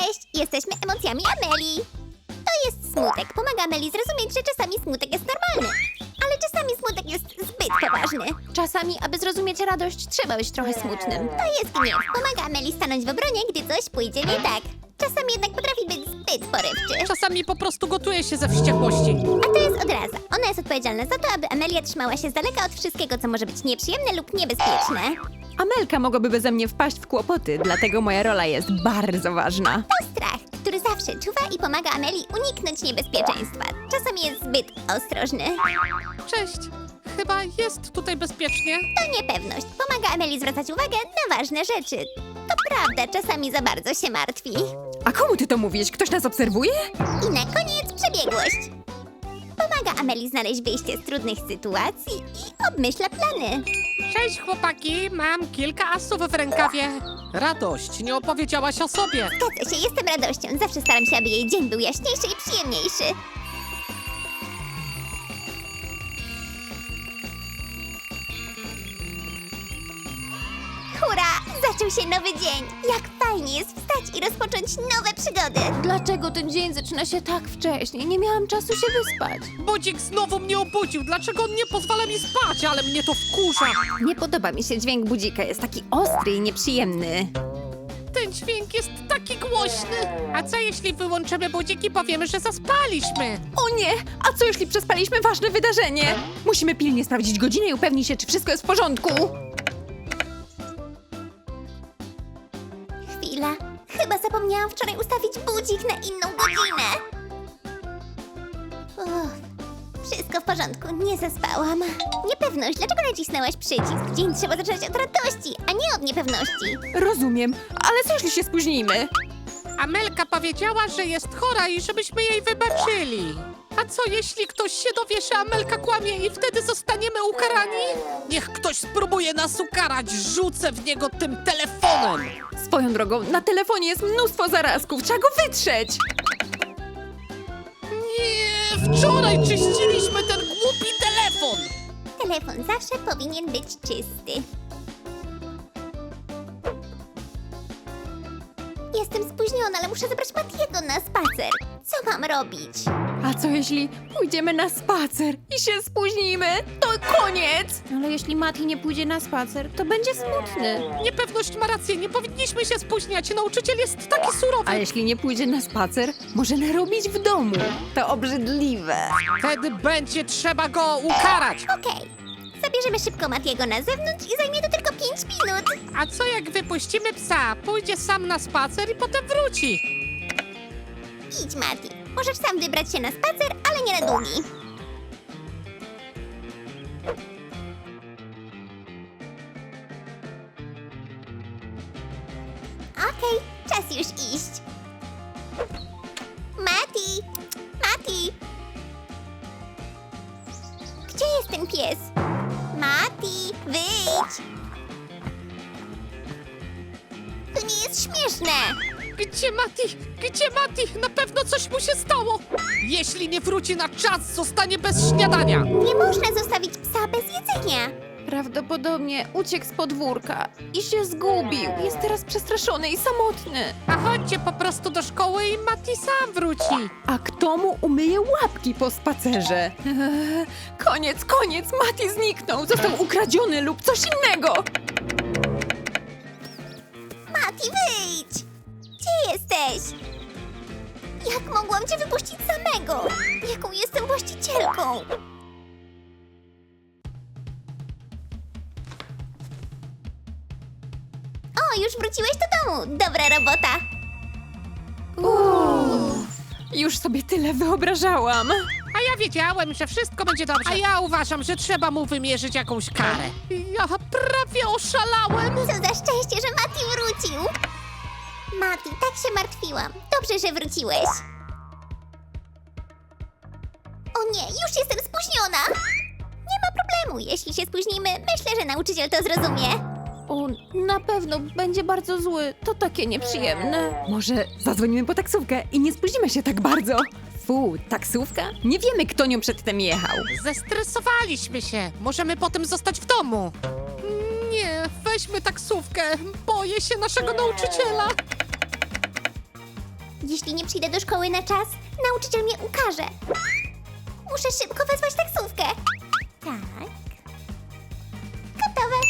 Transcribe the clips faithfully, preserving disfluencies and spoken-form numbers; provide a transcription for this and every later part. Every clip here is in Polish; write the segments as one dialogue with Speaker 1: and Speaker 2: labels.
Speaker 1: Cześć! Jesteśmy emocjami Amelii. To jest smutek. Pomaga Amelii zrozumieć, że czasami smutek jest normalny. Ale czasami smutek jest zbyt poważny.
Speaker 2: Czasami, aby zrozumieć radość, trzeba być trochę smutnym.
Speaker 1: To jest gniew. Pomaga Amelii stanąć w obronie, gdy coś pójdzie nie tak. Czasami jednak potrafi być zbyt porywczy.
Speaker 3: Czasami po prostu gotuje się ze wściekłości.
Speaker 1: A to jest odraza. Ona jest odpowiedzialna za to, aby Amelia trzymała się z daleka od wszystkiego, co może być nieprzyjemne lub niebezpieczne.
Speaker 2: Amelka mogłaby beze mnie wpaść w kłopoty, dlatego moja rola jest bardzo ważna.
Speaker 1: To strach, który zawsze czuwa i pomaga Amelii uniknąć niebezpieczeństwa. Czasami jest zbyt ostrożny.
Speaker 3: Cześć. Chyba jest tutaj bezpiecznie.
Speaker 1: To niepewność. Pomaga Amelii zwracać uwagę na ważne rzeczy. To prawda, czasami za bardzo się martwi.
Speaker 2: A komu ty to mówisz? Ktoś nas obserwuje?
Speaker 1: I na koniec przebiegłość. Pomaga Amelii znaleźć wyjście z trudnych sytuacji i obmyśla plany.
Speaker 3: Cześć chłopaki, mam kilka asów w rękawie. Radość, nie opowiedziałaś o sobie.
Speaker 1: Zgadza się, jestem radością. Zawsze staram się, aby jej dzień był jaśniejszy i przyjemniejszy. Hurra! Zaczął się nowy dzień. Jak fajnie jest wstać i rozpocząć nowe przygody.
Speaker 2: Dlaczego ten dzień zaczyna się tak wcześnie? Nie miałam czasu się wyspać.
Speaker 3: Budzik znowu mnie obudził. Dlaczego on nie pozwala mi spać? Ale mnie to wkurza.
Speaker 2: Nie podoba mi się dźwięk budzika, jest taki ostry i nieprzyjemny.
Speaker 3: Ten dźwięk jest taki głośny. A co jeśli wyłączymy budzik i powiemy, że zaspaliśmy?
Speaker 2: O nie! A co jeśli przespaliśmy ważne wydarzenie? Musimy pilnie sprawdzić godzinę i upewnić się, czy wszystko jest w porządku.
Speaker 1: Chwila. Chyba zapomniałam wczoraj ustawić budzik na inną godzinę. Uff. Wszystko w porządku, nie zaspałam. Niepewność, dlaczego nacisnęłaś przycisk? Dzień trzeba zaczynać od radości, a nie od niepewności.
Speaker 2: Rozumiem, ale co jeśli się spóźnimy?
Speaker 3: Amelka powiedziała, że jest chora i żebyśmy jej wybaczyli. A co jeśli ktoś się dowie, że Amelka kłamie i wtedy zostaniemy ukarani? Niech ktoś spróbuje nas ukarać, rzucę w niego tym telefonem.
Speaker 2: Swoją drogą, na telefonie jest mnóstwo zarazków, trzeba go wytrzeć.
Speaker 3: Nie, wczoraj czyściliśmy ten głupi telefon.
Speaker 1: Telefon zawsze powinien być czysty. Jestem spóźniona, ale muszę zabrać Matiego na spacer. Co mam robić?
Speaker 2: A co jeśli pójdziemy na spacer i się spóźnimy? To koniec! Ale jeśli Mati nie pójdzie na spacer, to będzie smutny.
Speaker 3: Niepewność ma rację, nie powinniśmy się spóźniać. Nauczyciel jest taki surowy.
Speaker 2: A jeśli nie pójdzie na spacer, może narobić w domu. To obrzydliwe.
Speaker 3: Wtedy będzie trzeba go ukarać.
Speaker 1: Okej. Zabierzemy szybko Matiego na zewnątrz i zajmie to tylko pięć minut.
Speaker 3: A co jak wypuścimy psa? Pójdzie sam na spacer i potem wróci.
Speaker 1: Idź, Mati. Możesz sam wybrać się na spacer, ale nie na długi. Okej, czas już iść. Mati! Mati! Gdzie jest ten pies? Mati, wyjdź! To nie jest śmieszne!
Speaker 3: Gdzie Mati? Gdzie Mati? Na pewno coś mu się stało. Jeśli nie wróci na czas, zostanie bez śniadania.
Speaker 1: Nie można zostawić psa bez jedzenia.
Speaker 2: Prawdopodobnie uciekł z podwórka i się zgubił. Jest teraz przestraszony i samotny.
Speaker 3: A chodźcie po prostu do szkoły i Mati sam wróci.
Speaker 2: A kto mu umyje łapki po spacerze? Eee, koniec, koniec! Mati zniknął! Został ukradziony lub coś innego!
Speaker 1: Mati, wyjdź! Gdzie jesteś? Jak mogłam cię wypuścić samego? Jaką jestem właścicielką? O, już wróciłeś do domu. Dobra robota.
Speaker 2: Uff, już sobie tyle wyobrażałam.
Speaker 3: A ja wiedziałem, że wszystko będzie dobrze. A ja uważam, że trzeba mu wymierzyć jakąś karę. Ja prawie oszalałem.
Speaker 1: Co za szczęście, że Mati wrócił. Mati, tak się martwiłam. Dobrze, że wróciłeś. O nie, już jestem spóźniona. Nie ma problemu. Jeśli się spóźnimy, myślę, że nauczyciel to zrozumie.
Speaker 2: O, na pewno będzie bardzo zły. To takie nieprzyjemne. Może zadzwonimy po taksówkę i nie spóźnimy się tak bardzo. Fu, taksówka? Nie wiemy, kto nią przedtem jechał.
Speaker 3: Zestresowaliśmy się. Możemy potem zostać w domu. Nie, weźmy taksówkę. Boję się naszego nauczyciela.
Speaker 1: Jeśli nie przyjdę do szkoły na czas, nauczyciel mnie ukaże. Muszę szybko wezwać taksówkę. Tak. Gotowe.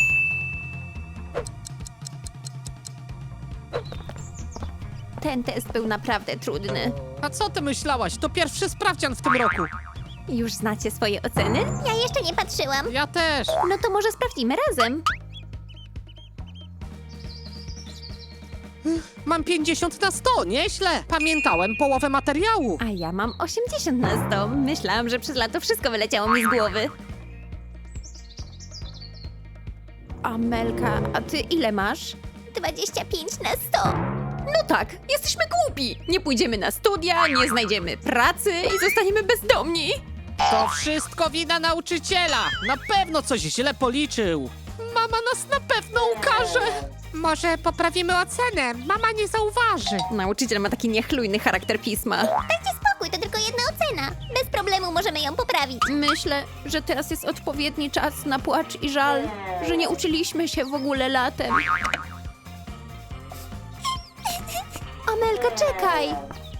Speaker 2: Ten test był naprawdę trudny.
Speaker 3: A co ty myślałaś? To pierwszy sprawdzian w tym roku.
Speaker 2: Już znacie swoje oceny?
Speaker 1: Ja jeszcze nie patrzyłam.
Speaker 3: Ja też.
Speaker 2: No to może sprawdzimy razem.
Speaker 3: Mam pięćdziesiąt na sto, nieźle. Pamiętałem połowę materiału.
Speaker 2: A ja mam osiemdziesiąt na sto. Myślałam, że przez lato wszystko wyleciało mi z głowy. Amelka, a ty ile masz?
Speaker 1: dwadzieścia pięć na sto.
Speaker 2: No tak, jesteśmy głupi. Nie pójdziemy na studia, nie znajdziemy pracy i zostaniemy bezdomni.
Speaker 3: To wszystko wina nauczyciela. Na pewno coś źle policzył. Mama nas na pewno ukaże. Może poprawimy ocenę. Mama nie zauważy.
Speaker 2: Nauczyciel ma taki niechlujny charakter pisma.
Speaker 1: Dajcie spokój, to tylko jedna ocena. Bez problemu możemy ją poprawić.
Speaker 2: Myślę, że teraz jest odpowiedni czas na płacz i żal, że nie uczyliśmy się w ogóle latem. Amelka, czekaj!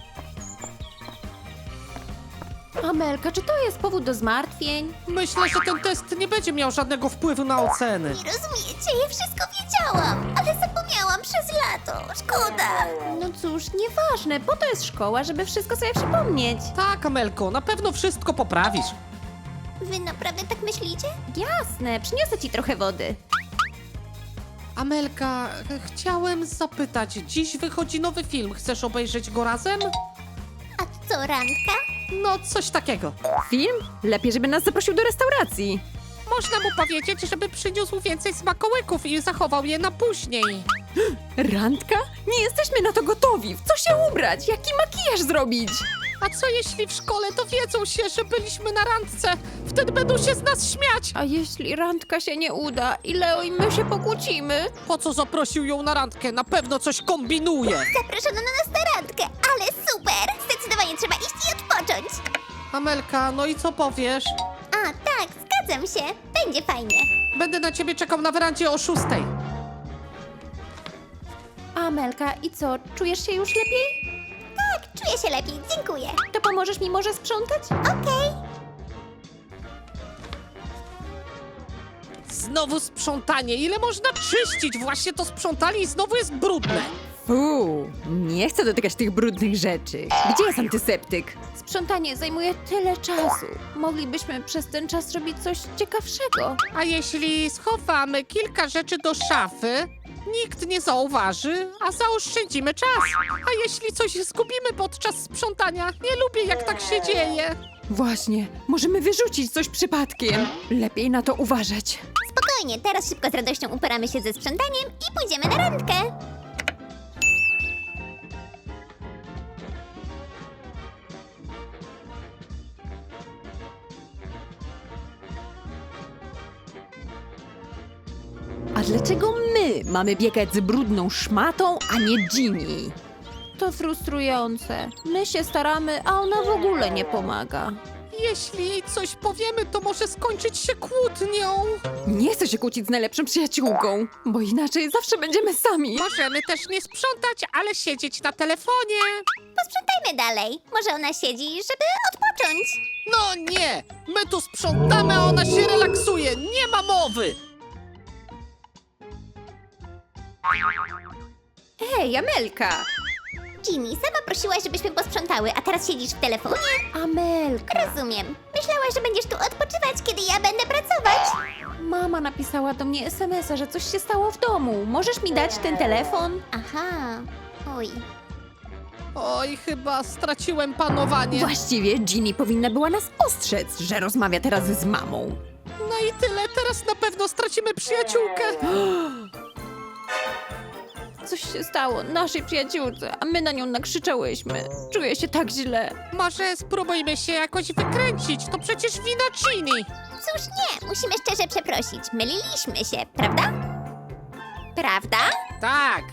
Speaker 2: Amelka, czy to jest powód do zmartwień?
Speaker 3: Myślę, że ten test nie będzie miał żadnego wpływu na oceny.
Speaker 1: Nie rozumiecie, ja wszystko wiedziałam, ale zapomniałam przez lato. Szkoda.
Speaker 2: No cóż, nieważne, po to jest szkoła, żeby wszystko sobie przypomnieć.
Speaker 3: Tak, Amelko, na pewno wszystko poprawisz.
Speaker 1: Wy naprawdę tak myślicie?
Speaker 2: Jasne, przyniosę ci trochę wody.
Speaker 3: Amelka, chciałem zapytać, dziś wychodzi nowy film, chcesz obejrzeć go razem?
Speaker 1: A co, randka?
Speaker 3: No, coś takiego.
Speaker 2: Film? Lepiej, żeby nas zaprosił do restauracji.
Speaker 3: Można mu powiedzieć, żeby przyniósł więcej smakołyków i zachował je na później.
Speaker 2: Randka? Nie jesteśmy na to gotowi. W co się ubrać? Jaki makijaż zrobić?
Speaker 3: A co jeśli w szkole dowiedzą się, że byliśmy na randce? Wtedy będą się z nas śmiać.
Speaker 2: A jeśli randka się nie uda i Leo i my się pokłócimy?
Speaker 3: Po co zaprosił ją na randkę? Na pewno coś kombinuje.
Speaker 1: Zaproszono na nas na randkę, ale super! Zdecydowanie trzeba iść i odpocząć.
Speaker 3: Amelka, no i co powiesz?
Speaker 1: A, tak, zgadzam się. Będzie fajnie.
Speaker 3: Będę na ciebie czekał na werandzie o szóstej.
Speaker 2: Amelka, i co? Czujesz się już lepiej?
Speaker 1: Tak, czuję się lepiej, dziękuję.
Speaker 2: To pomożesz mi może sprzątać?
Speaker 1: Okej.
Speaker 3: Znowu sprzątanie. Ile można czyścić? Właśnie to sprzątali i znowu jest brudne.
Speaker 2: Fuu, nie chcę dotykać tych brudnych rzeczy. Gdzie jest antyseptyk? Sprzątanie zajmuje tyle czasu. Moglibyśmy przez ten czas robić coś ciekawszego.
Speaker 3: A jeśli schowamy kilka rzeczy do szafy, nikt nie zauważy, a zaoszczędzimy czas. A jeśli coś zgubimy podczas sprzątania, nie lubię jak tak się dzieje.
Speaker 2: Właśnie, możemy wyrzucić coś przypadkiem. Lepiej na to uważać.
Speaker 1: Spokojnie, teraz szybko z radością uporamy się ze sprzątaniem i pójdziemy na randkę.
Speaker 2: A dlaczego my mamy biegać z brudną szmatą, a nie Ginny? To frustrujące. My się staramy, a ona w ogóle nie pomaga.
Speaker 3: Jeśli jej coś powiemy, to może skończyć się kłótnią.
Speaker 2: Nie chcę się kłócić z najlepszą przyjaciółką, bo inaczej zawsze będziemy sami.
Speaker 3: Możemy też nie sprzątać, ale siedzieć na telefonie.
Speaker 1: Posprzątajmy dalej. Może ona siedzi, żeby odpocząć.
Speaker 3: No nie, my tu sprzątamy, a ona się relaksuje. Nie ma mowy.
Speaker 2: Hej, Amelka!
Speaker 1: Ginny, sama prosiłaś, żebyśmy posprzątały, a teraz siedzisz w telefonie?
Speaker 2: Amelka!
Speaker 1: Rozumiem. Myślałaś, że będziesz tu odpoczywać, kiedy ja będę pracować.
Speaker 2: Mama napisała do mnie es em es a, że coś się stało w domu. Możesz mi dać ten telefon?
Speaker 1: Aha. Oj.
Speaker 3: Oj, chyba straciłem panowanie.
Speaker 2: Właściwie Ginny powinna była nas ostrzec, że rozmawia teraz z mamą.
Speaker 3: No i tyle, teraz na pewno stracimy przyjaciółkę.
Speaker 2: Coś się stało naszej przyjaciółce, a my na nią nakrzyczałyśmy. Czuję się tak źle.
Speaker 3: Może spróbujmy się jakoś wykręcić, to przecież wina Ginny.
Speaker 1: Cóż nie, musimy szczerze przeprosić. Myliliśmy się, prawda? Prawda?
Speaker 3: Tak.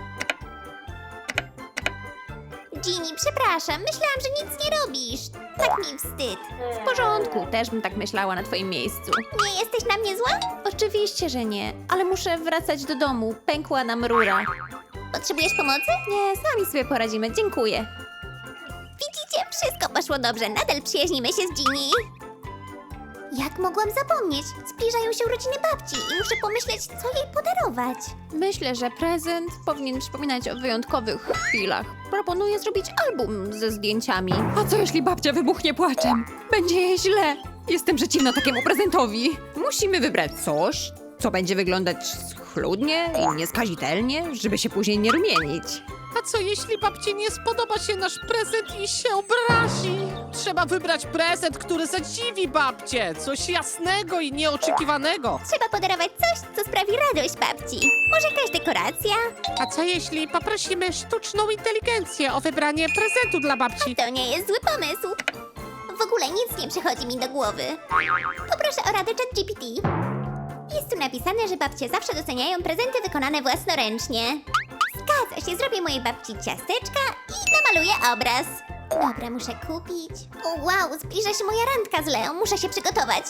Speaker 1: Ginny, przepraszam, myślałam, że nic nie robisz. Tak mi wstyd.
Speaker 2: W porządku, też bym tak myślała na twoim miejscu.
Speaker 1: Nie jesteś na mnie zła?
Speaker 2: Oczywiście, że nie, ale muszę wracać do domu. Pękła nam rura.
Speaker 1: Potrzebujesz pomocy?
Speaker 2: Nie, sami sobie poradzimy, dziękuję.
Speaker 1: Widzicie, wszystko poszło dobrze. Nadal przyjaźnimy się z Ginny. Jak mogłam zapomnieć? Zbliżają się urodziny babci i muszę pomyśleć, co jej podarować.
Speaker 2: Myślę, że prezent powinien przypominać o wyjątkowych chwilach. Proponuję zrobić album ze zdjęciami. A co jeśli babcia wybuchnie płaczem? Będzie jej źle. Jestem przeciwna takiemu prezentowi. Musimy wybrać coś, co będzie wyglądać schludnie i nieskazitelnie, żeby się później nie rumienić.
Speaker 3: A co jeśli babci nie spodoba się nasz prezent i się obrazi? Trzeba wybrać prezent, który zadziwi babcię. Coś jasnego i nieoczekiwanego.
Speaker 1: Trzeba podarować coś, co sprawi radość babci. Może jakaś dekoracja?
Speaker 3: A co jeśli poprosimy sztuczną inteligencję o wybranie prezentu dla babci?
Speaker 1: To nie jest zły pomysł. W ogóle nic nie przychodzi mi do głowy. Poproszę o radę ChatGPT. Jest tu napisane, że babcie zawsze doceniają prezenty wykonane własnoręcznie. Zgadza się, zrobię mojej babci ciasteczka i namaluję obraz. Dobra, muszę kupić. O, wow, zbliża się moja randka z Leo, muszę się przygotować.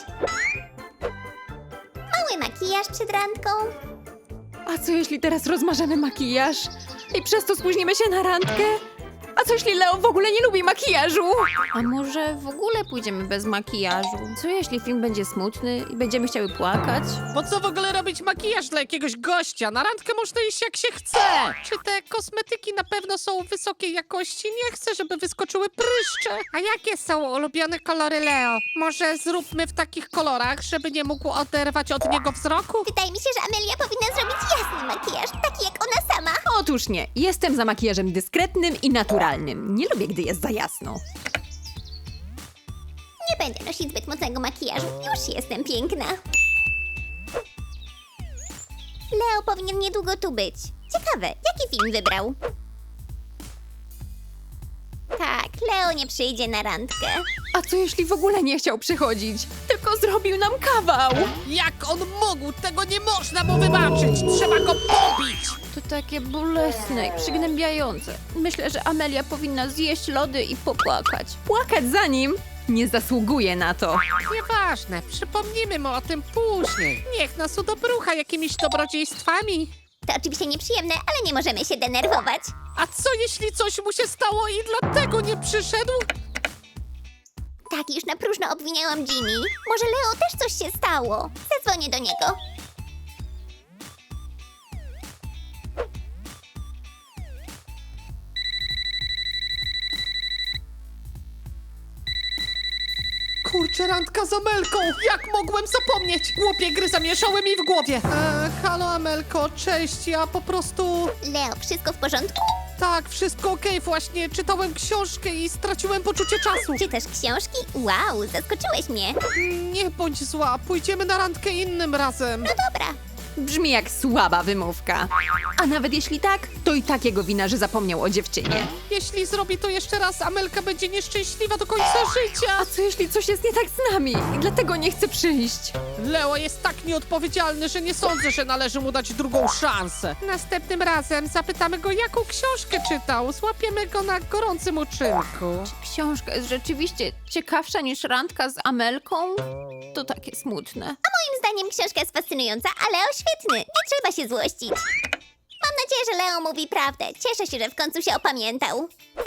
Speaker 1: Mały makijaż przed randką.
Speaker 2: A co jeśli teraz rozmarzamy makijaż i przez to spóźnimy się na randkę? A co jeśli Leo w ogóle nie lubi makijażu? A może w ogóle pójdziemy bez makijażu? Co jeśli film będzie smutny i będziemy chciały płakać?
Speaker 3: Po co w ogóle robić makijaż dla jakiegoś gościa? Na randkę można iść jak się chce. Czy te kosmetyki na pewno są wysokiej jakości? Nie chcę, żeby wyskoczyły pryszcze. A jakie są ulubione kolory Leo? Może zróbmy w takich kolorach, żeby nie mógł oderwać od niego wzroku?
Speaker 1: Wydaje mi się, że Amelia powinna zrobić jasny makijaż, taki jak ona sama.
Speaker 2: Otóż nie. Jestem za makijażem dyskretnym i naturalnym. Nie lubię, gdy jest za jasno.
Speaker 1: Nie będę nosić zbyt mocnego makijażu, już jestem piękna. Leo powinien niedługo tu być. Ciekawe, jaki film wybrał? Tak, Leo nie przyjdzie na randkę.
Speaker 2: A co jeśli w ogóle nie chciał przychodzić? Tylko zrobił nam kawał.
Speaker 3: Jak on mógł? Tego nie można mu wybaczyć. Trzeba go pobić.
Speaker 2: To takie bolesne i przygnębiające. Myślę, że Amelia powinna zjeść lody i popłakać. Płakać za nim? Nie zasługuje na to.
Speaker 3: Nieważne, przypomnimy mu o tym później. Niech nas udobrucha jakimiś dobrodziejstwami.
Speaker 1: To oczywiście nieprzyjemne, ale nie możemy się denerwować.
Speaker 3: A co jeśli coś mu się stało i dlatego nie przyszedł?
Speaker 1: Tak, już na próżno obwiniałam Ginny. Może Leo też coś się stało. Zadzwonię do niego.
Speaker 3: Kurczę, randka z Amelką! Jak mogłem zapomnieć? Głupie gry zamieszały mi w głowie. E, halo Amelko, cześć, ja po prostu...
Speaker 1: Leo, wszystko w porządku?
Speaker 3: Tak, wszystko okej, właśnie czytałem książkę i straciłem poczucie czasu.
Speaker 1: Czytasz książki? Wow, zaskoczyłeś mnie.
Speaker 3: Nie bądź zła, pójdziemy na randkę innym razem.
Speaker 1: No dobra.
Speaker 2: Brzmi jak słaba wymówka. A nawet jeśli tak, to i tak jego wina, że zapomniał o dziewczynie.
Speaker 3: Jeśli zrobi to jeszcze raz, Amelka będzie nieszczęśliwa do końca życia.
Speaker 2: A co jeśli coś jest nie tak z nami i dlatego nie chce przyjść?
Speaker 3: Leo jest tak nieodpowiedzialny, że nie sądzę, że należy mu dać drugą szansę. Następnym razem zapytamy go, jaką książkę czytał. Złapiemy go na gorącym uczynku.
Speaker 2: Książka jest rzeczywiście ciekawsza niż randka z Amelką? To takie smutne.
Speaker 1: Moim zdaniem książka jest fascynująca, a Leo świetny. Nie trzeba się złościć. Mam nadzieję, że Leo mówi prawdę. Cieszę się, że w końcu się opamiętał.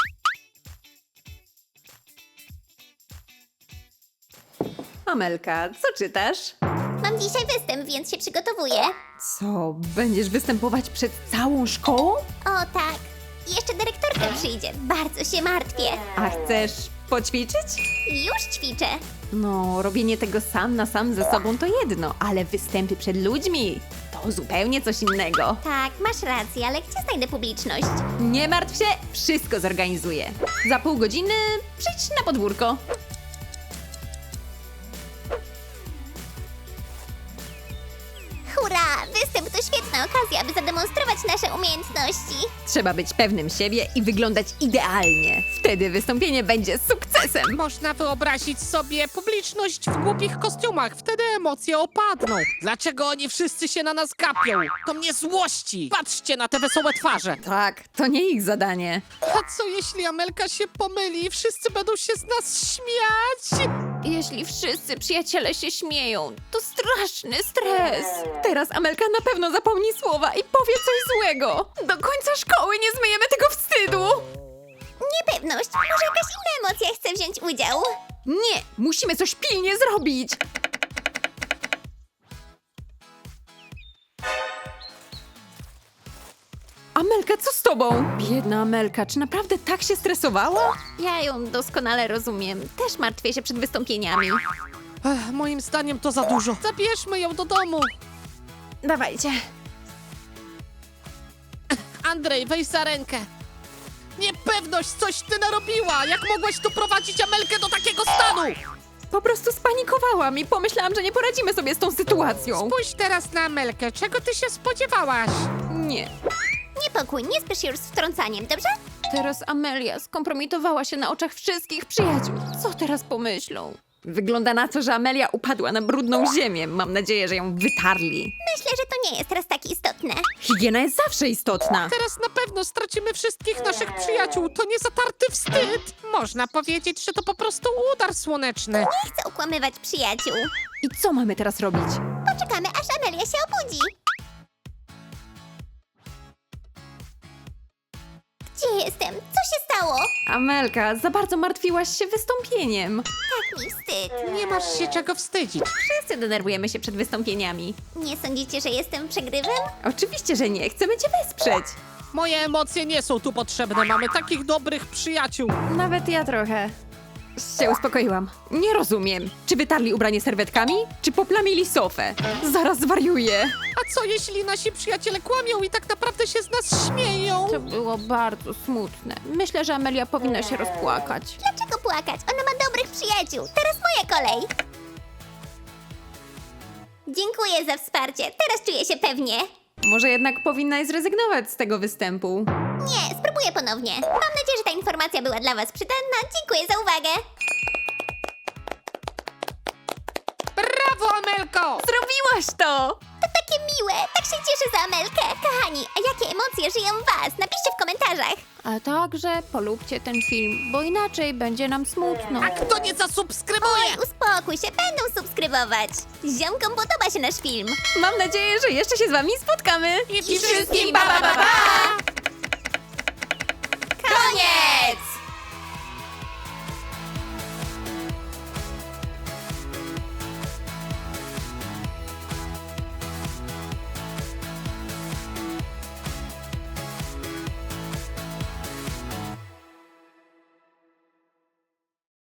Speaker 2: Amelka, co czytasz?
Speaker 1: Mam dzisiaj występ, więc się przygotowuję.
Speaker 2: Co, będziesz występować przed całą szkołą?
Speaker 1: O tak. I jeszcze dyrektorka przyjdzie. Bardzo się martwię.
Speaker 2: A chcesz poćwiczyć?
Speaker 1: Już ćwiczę.
Speaker 2: No, robienie tego sam na sam ze sobą to jedno, ale występy przed ludźmi to zupełnie coś innego.
Speaker 1: Tak, masz rację, ale gdzie znajdę publiczność?
Speaker 2: Nie martw się, wszystko zorganizuję. Za pół godziny przyjdź na podwórko.
Speaker 1: Hurra! Występ to świetna okazja, aby zademonstrować nasze umiejętności.
Speaker 2: Trzeba być pewnym siebie i wyglądać idealnie. Wtedy wystąpienie będzie sukcesem.
Speaker 3: Można wyobrazić sobie publiczność w głupich kostiumach. Wtedy emocje opadną. Dlaczego oni wszyscy się na nas gapią? To mnie złości. Patrzcie na te wesołe twarze.
Speaker 2: Tak, to nie ich zadanie.
Speaker 3: A co jeśli Amelka się pomyli i wszyscy będą się z nas śmiać?
Speaker 2: Jeśli wszyscy przyjaciele się śmieją, to straszny stres. Teraz Amelka na pewno zapomni słowa i powie coś złego. Do końca szkoły nie zmyjemy tego wstydu.
Speaker 1: Niepewność, może jakaś inna emocja chce wziąć udział.
Speaker 2: Nie, musimy coś pilnie zrobić. Amelka, co z tobą? Biedna Amelka, czy naprawdę tak się stresowała? Ja ją doskonale rozumiem. Też martwię się przed wystąpieniami.
Speaker 3: Ech, moim zdaniem to za dużo. Zabierzmy ją do domu.
Speaker 2: Dawajcie.
Speaker 3: Andrzej, weź za rękę. Niepewność, coś ty narobiła! Jak mogłaś tu prowadzić Amelkę do takiego stanu?
Speaker 2: Po prostu spanikowałam i pomyślałam, że nie poradzimy sobie z tą sytuacją.
Speaker 3: Spójrz teraz na Amelkę. Czego ty się spodziewałaś?
Speaker 2: Nie.
Speaker 1: Niepokój, nie spiesz się już z wtrącaniem, dobrze?
Speaker 2: Teraz Amelia skompromitowała się na oczach wszystkich przyjaciół. Co teraz pomyślą? Wygląda na to, że Amelia upadła na brudną ziemię. Mam nadzieję, że ją wytarli.
Speaker 1: Myślę, że to nie jest teraz tak istotne.
Speaker 2: Higiena jest zawsze istotna.
Speaker 3: Teraz na pewno stracimy wszystkich naszych przyjaciół. To nie zatarty wstyd. Można powiedzieć, że to po prostu udar słoneczny.
Speaker 1: Nie chcę okłamywać przyjaciół.
Speaker 2: I co mamy teraz robić?
Speaker 1: Poczekamy, aż Amelia się obudzi. Gdzie jestem? Co się stało?
Speaker 2: Amelka, za bardzo martwiłaś się wystąpieniem.
Speaker 1: Tak mi wstyd.
Speaker 3: Nie masz się czego wstydzić.
Speaker 2: Wszyscy denerwujemy się przed wystąpieniami.
Speaker 1: Nie sądzicie, że jestem przegrywem?
Speaker 2: Oczywiście, że nie. Chcemy cię wesprzeć.
Speaker 3: Moje emocje nie są tu potrzebne. Mamy takich dobrych przyjaciół.
Speaker 2: Nawet ja trochę się uspokoiłam. Nie rozumiem. Czy wytarli ubranie serwetkami? Czy poplamili sofę? Zaraz zwariuję.
Speaker 3: A co jeśli nasi przyjaciele kłamią i tak naprawdę się z nas śmieją?
Speaker 2: To było bardzo smutne. Myślę, że Amelia powinna się rozpłakać.
Speaker 1: Dlaczego płakać? Ona ma dobrych przyjaciół. Teraz moja kolej. Dziękuję za wsparcie. Teraz czuję się pewnie.
Speaker 2: Może jednak powinnaś zrezygnować z tego występu.
Speaker 1: Nie, spróbuję ponownie. Mam nadzieję, że ta informacja była dla was przydatna. Dziękuję za uwagę.
Speaker 3: Brawo, Amelko!
Speaker 2: Zrobiłaś to!
Speaker 1: To takie miłe. Tak się cieszę za Amelkę. Kochani, a jakie emocje żyją w was? Napiszcie w komentarzach.
Speaker 2: A także polubcie ten film, bo inaczej będzie nam smutno.
Speaker 3: A kto nie zasubskrybuje?
Speaker 1: Oj, uspokój się, będą subskrybować. Ziomkom podoba się nasz film.
Speaker 2: Mam nadzieję, że jeszcze się z wami spotkamy.
Speaker 3: I wszystkim pa, pa, pa, pa!